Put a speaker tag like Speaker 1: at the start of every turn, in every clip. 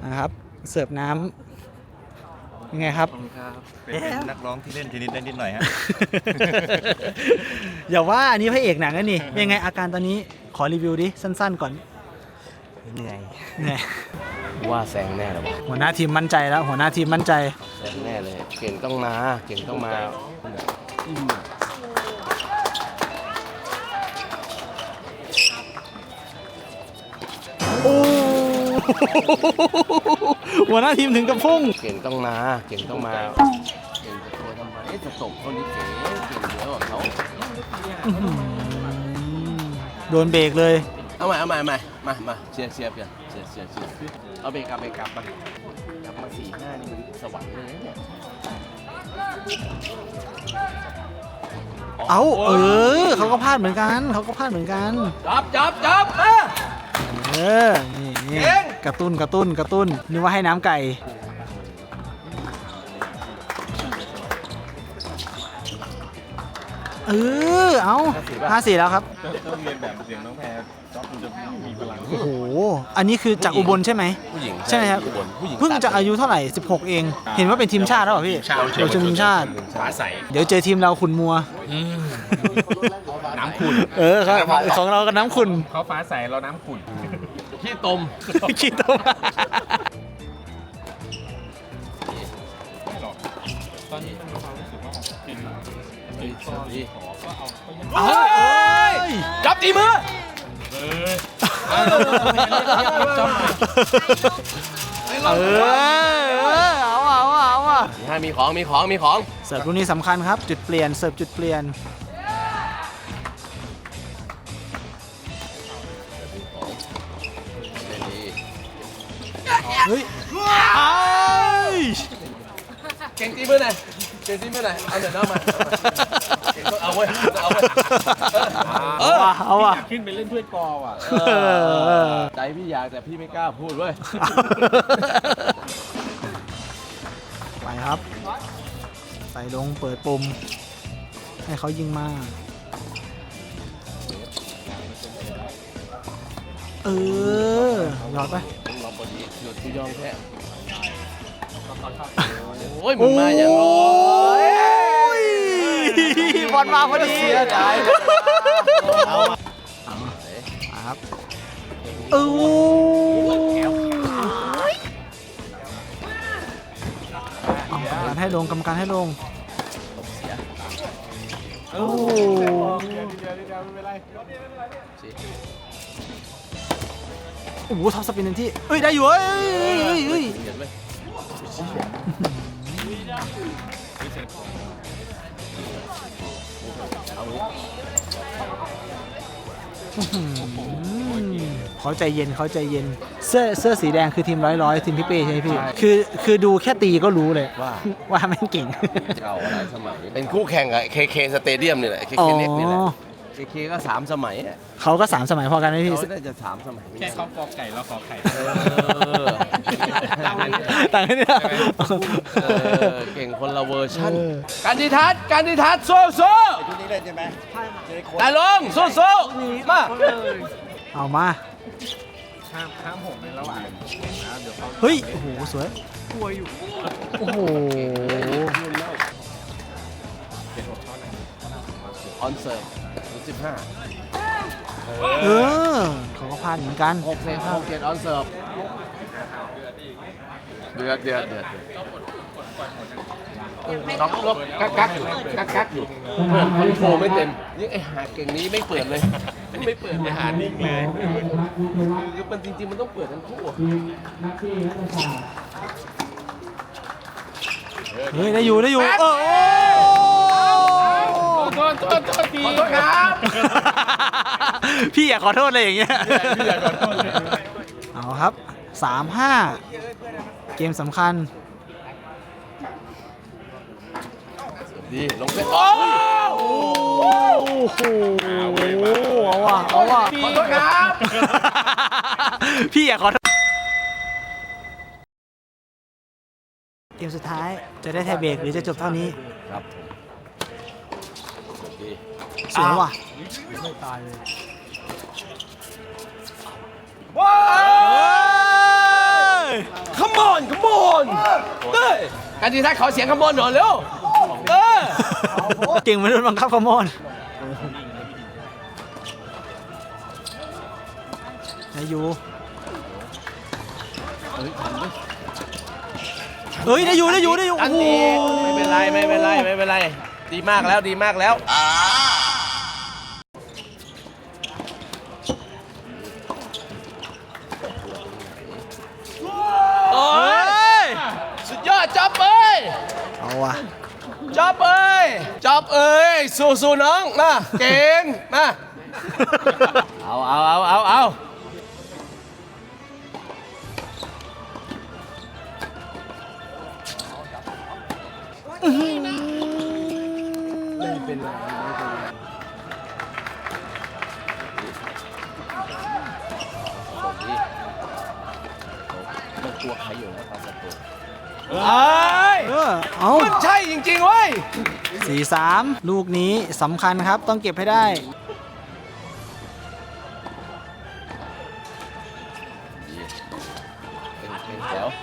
Speaker 1: นะครับเสิร์ฟน้ำยังไงครับ
Speaker 2: เป็นนักร้องที่เล่นเทนนิสได้นิดหน่อยฮะ
Speaker 1: อย่าว่าอันนี้พระเอกหนังนะนี่ยังไงอาการตอนนี้ขอรีวิวดิสั้นๆก่อนเหนื่อย
Speaker 3: ว่าแซงแน่เลยวะ
Speaker 1: หัวหน้าทีมมั่นใจแล้วหัวหน้าทีมมั่นใจ
Speaker 3: แซงแน่เลยเก่งต้องมาเก่งต้องมา
Speaker 1: โอ้หัวหน้าทีมถึงกับพุ่ง
Speaker 3: เก่งต้องมาเก่งต้องมาเก่งจะตัวทำไมจะตบเขานี่เก่งเยอะกว่าเขา
Speaker 1: โดนเบรกเลย
Speaker 3: เอาใหม่มาเชียร์เพื่อนเชียร์เอาเบรกกลับมา4-5นี่มันสวรรค์เลยเนี่ย
Speaker 1: เอาเขาก็พลาดเหมือนกัน
Speaker 3: จับ
Speaker 1: นี่กระตุ้นนึกว่าให้น้ำไก่เอา5-4แล้วครับ
Speaker 2: ต้องเรียนแบบเสียงน้องแพรจ๊อบมันจะมีพลัง
Speaker 1: โอ้โหอันนี้คือจากอุบลใช่ไหม
Speaker 3: ผู้หญิง
Speaker 1: ใช่ครับเพิ่งจะอายุเท่าไหร่16เองเห็นว่าเป็นทีมชาติแล้วเหรอพี่ทีมชาติ
Speaker 2: ฟ้าใส
Speaker 1: เดี๋ยวเจอทีมเราขุนมัว
Speaker 2: น้ำขุ่น
Speaker 1: ครับของเรากับน้ำขุ่น
Speaker 2: เขาฟ้าใสเราน้ำขุ่น
Speaker 3: ขี้ตม
Speaker 2: ตอนนี้มันมีความรู้สึกว่ากิน
Speaker 3: จับตีมือเอามีของ
Speaker 1: เสิร์ฟลูกนี้สำคัญครับจุดเปลี่ยนเสิร์ฟจุดเปลี่ยนเฮ้ย
Speaker 3: เก่งตีมือหน่อยเอาเดี๋ยวน้องมาเอาไว้
Speaker 1: เอาว่ะ
Speaker 2: ขึ้นไปเล่นถ้วยกอว่ะ
Speaker 3: ใจพี่อยากแต่พี่ไม่กล้าพูดเว้ย
Speaker 1: ไปครับใส่ลงเปิดปุ่มให้เขายิงมาหยอดไป
Speaker 3: เราพอดีหยุดยอมแค่โอ้ยมันมาอย่างร้อย
Speaker 1: บอลมาพอดี
Speaker 3: เอา
Speaker 1: ครับกรรมการให้ลงโอ้โหท็อปสปินเต็มที่ได้อยู่เขาใจเย็นเสื้อสีแดงคือทีมร้อยทีมพี่เป้ใช่ไหมพี่คือดูแค่ตีก็รู้เลยว่าแม่งเก่ง
Speaker 3: เก่าหลายสมัยเป็นคู่แข่งกับเคสเตเดียมนี่แหละเคเล็กนี่แหละเคก็3 สมัย
Speaker 1: เขาก็3 สมัยพอกันไหมพี่
Speaker 3: เขาน่าจะ3 สมัย
Speaker 2: แค่เขากอไก่แล้วขอไข่
Speaker 1: ต่างกันเนี่ย
Speaker 3: เก่งคนละเวอร์ชันการดิทัศน์โซ่
Speaker 2: ชุดนี้เล่นใช่ไหม
Speaker 3: ได้ลงโซ่มา
Speaker 1: เอามา
Speaker 2: ห้ามผมในระหว่างเดี๋ยวเขา
Speaker 1: เฮ้ยโอ้โหสวยกลัวอยู่โอ้โห
Speaker 3: ออนเสิร์ฟ15
Speaker 1: เขาก็พลาดเหมือนกัน
Speaker 3: 6 เซตออนเสิร์ฟเดือดน็อกลบกักอยู่คอนโทรไม่เต็มยิ่งไอ้หาเก่งนี้ไม่เปิดเลยไม่เปิดเลยหานิ่งเลยคือมันจริงๆมันต้องเปิดทั้งคู่
Speaker 1: ได้อยู่
Speaker 2: โทษพี่
Speaker 3: ขอโทษครับ
Speaker 1: พี่อยากขอโทษเลยอย่างเงี้ยพี่อยากขอโทษเลยเอาครับ 3-5 เกมสำคัญ
Speaker 3: ดีลงเซต
Speaker 1: โอ้โหเอาว่ะ
Speaker 3: ขอโทษครับ
Speaker 1: พี่อยากขอโทษเกมสุดท้ายจะได้ไทยเบรกหรือจะจบเท่านี้
Speaker 3: ครับ
Speaker 1: สวยว่ะไม่ตายเลยว้า
Speaker 3: come on come on เฮ้ยการทีทัศน์ขอเสียง come on หน่อยเร็ว
Speaker 1: เก่งไม่โดนบังคับขโมยได้อยู่เฮ้ยได้อยู่
Speaker 3: อันนี้ไม่เป็นไรดีมากแล้วโอ้ยสุดยอดจ๊อบเอ้ย
Speaker 1: เอาว่ะ
Speaker 3: จ๊อบเอ้ยสู้น้องมาเก่งมาเอาไม่เป็นไรมันกลัวใครอยู่นะตอนสัตว์ตัว
Speaker 1: เอา
Speaker 3: มันใช่จริงๆเว้ย
Speaker 1: 4-3 ลูกนี้สำคัญครับต้องเก็บให้ได้
Speaker 3: เดี๋ยว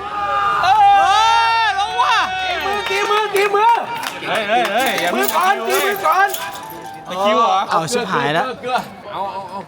Speaker 3: ลงว่ะตีมือ
Speaker 2: เฮ้ยอย่า
Speaker 3: มือก่อน
Speaker 2: ตะคิวเหรอ
Speaker 1: เอาชิบหายแล้ว
Speaker 3: เอา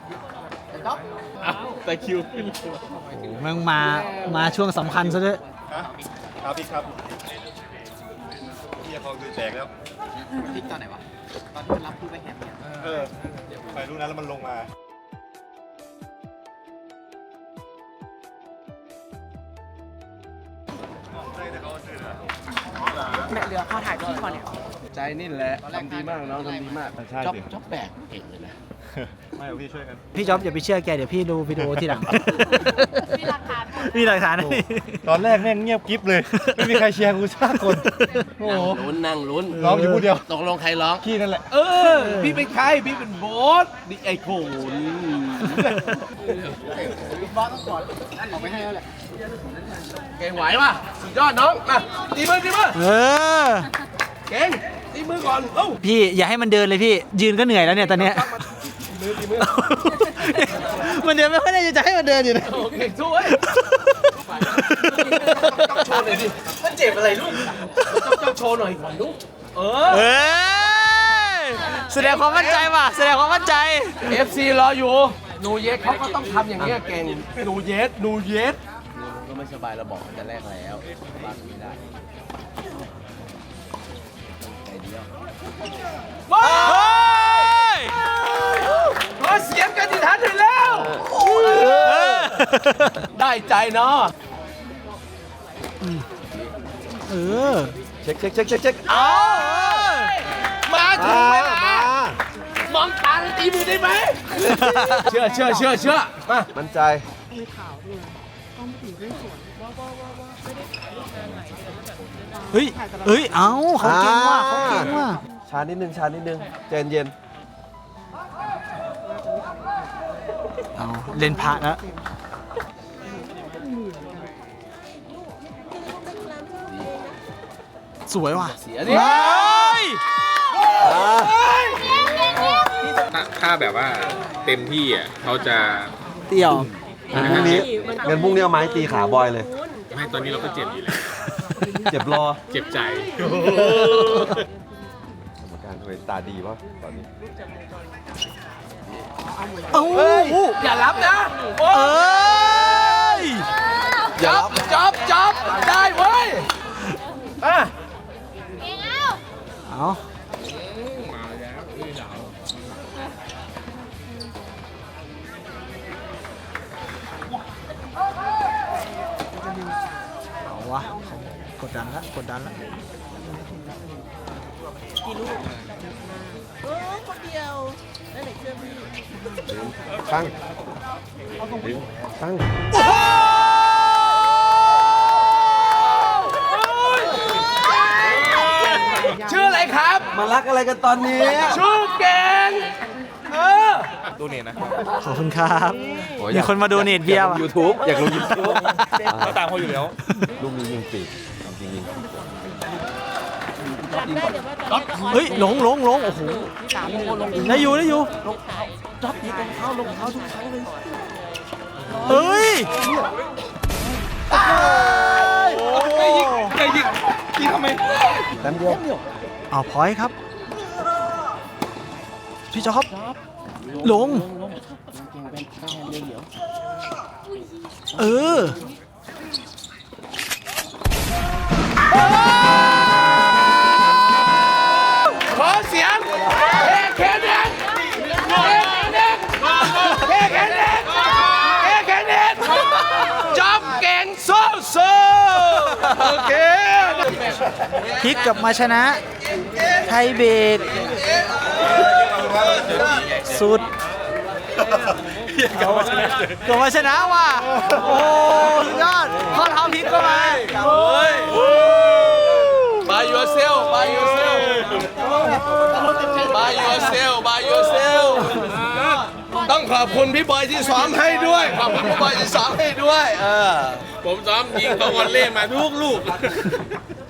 Speaker 2: ตะคิวขึ้น
Speaker 1: มึงมาช่วงสำคัญซะด้วย
Speaker 2: ครับพี่ครับพี่จะคลองคือแตกแล้ว
Speaker 4: พลิกตอนไหนวะ ตอนที่มันรับผู้ไปแฮมเนี่ย
Speaker 2: ไปรู้นั้นแล้วมันลงมา
Speaker 4: แม่เรือพอถ่ายคลิปก่อนเนี่ย
Speaker 3: ใจนี่แหละทำดีมากน้องทำดีมากจ๊อบแบกเก่งเลยนะ
Speaker 2: ไม่พี่ช่วยกัน
Speaker 1: พี่จ๊อบอย่าไปเชื่อแกเดี๋ยวพี่ดูวิดีโอทีหลังมีหลักฐาน
Speaker 2: ตอนแรกแม่งเงียบกิ๊บเลย ไม่มีใครเชียร์กูสักคน โอ้โห
Speaker 3: นั่งลุ้น
Speaker 2: ร้องอยู่ผู้เดียว
Speaker 3: ตกลงใครร้อง
Speaker 2: พี่นั่นแหละ
Speaker 3: พี่เป็นใครพี่เป็นโบ๊ทดิไอโขน
Speaker 4: บอสต้องกดนั่นออกไปให้แล้วแหละ
Speaker 3: เก่งไหวป่ะสุดยอดน้องมาตีมือ เก่งตีมือก่อน
Speaker 1: พี่อย่าให้มันเดินเลยพี่ยืนก็เหนื่อยแล้วเนี่ยตอนเนี้ย
Speaker 3: ตีมือ
Speaker 1: มันเดินไม่ค่อยได้จะให้มันเดินอยู่นะ
Speaker 3: โอเคสู้เว้ยโชว์หน่อยดิมันเจ็บอะไรลูกต้องโชว์หน่อยก่อนลูก
Speaker 1: แสดงความมั่นใจว่ะแสดงความมั่นใจ
Speaker 3: FC รออยู่นูเยสเขาก็ต้องทำอย่างเงี้ยเก่งนูเยสก็ไม่สบายเราบอกจะแรกแล้วบ้านไม่ได้ใจเดียวว้าวขอเสียงกันที่ทันถึงแล้วได้ใจเนาะเช็คเอามาถึงเวลามองตาแล้วตีมือได้ไหมเชื่อมามั่นใจ
Speaker 1: เฮ้ยเอาเขาเก่งว่ะ
Speaker 3: ชานิดนึงใจเย็น
Speaker 1: เอาเล่นพระแล้วสวยว่ะ
Speaker 3: เสียดิ
Speaker 2: ถ้าแบบว่าเต็มที่อ่ะเขาจะ
Speaker 1: เตี่ยว
Speaker 3: พรุ่งนี้เอาไม้ตีขาบอยเลย
Speaker 2: ไม่ตอนนี้เราก็เจ็บอยู่แล้ว
Speaker 3: เจ็บรอ
Speaker 2: เจ็บใจ
Speaker 3: กรรมการทำไมตาดีวะตอนนี้อย่ารับนะจับได้เว้ย
Speaker 1: เอาวะกดดันแล้ว
Speaker 5: กี่ลูกคนเดียวแล้วไหนเชื่อพี่
Speaker 3: ตั้งชื่ออะไรครับมารักอะไรกันตอนนี้ชื่อแกง
Speaker 2: ดูเน็ตนะ
Speaker 1: ขอบคุณครับมีคนมาดูเน็ตเบียร์ว่ะ
Speaker 3: YouTube อยากลง YouTube
Speaker 2: เขาตามเขาอยู่แล้ว
Speaker 3: ลูกนี้ยิงปีกยิง
Speaker 1: เฮ้ยหลงโอ้โหได้อยู่
Speaker 3: จับยิงรองเท้าทุกครั้งเลย
Speaker 1: เฮ้ย
Speaker 3: แป๊บเดียว
Speaker 1: เอาพอยต์ครับ พี่จ๊อบลง เออ
Speaker 3: ขอเสียงแค่แดงแค่แดงจ๊อบเก่งโซ่โอเค
Speaker 1: พลิกกลับมาชนะ ไทยเบรกสุดกลับมาชนะว่ะ โอ้สุดยอดข้อเท้าพลิกก็มา
Speaker 3: By yourself by yourself by yourself by yourself ต้องขอบคุณพี่บอยที่ซ้อมให้ด้วย ขอบคุณพี่บอยที่ซ้อมให้ด้วยผมซ้อมยิงเขาวอลเล่มาทุกลูก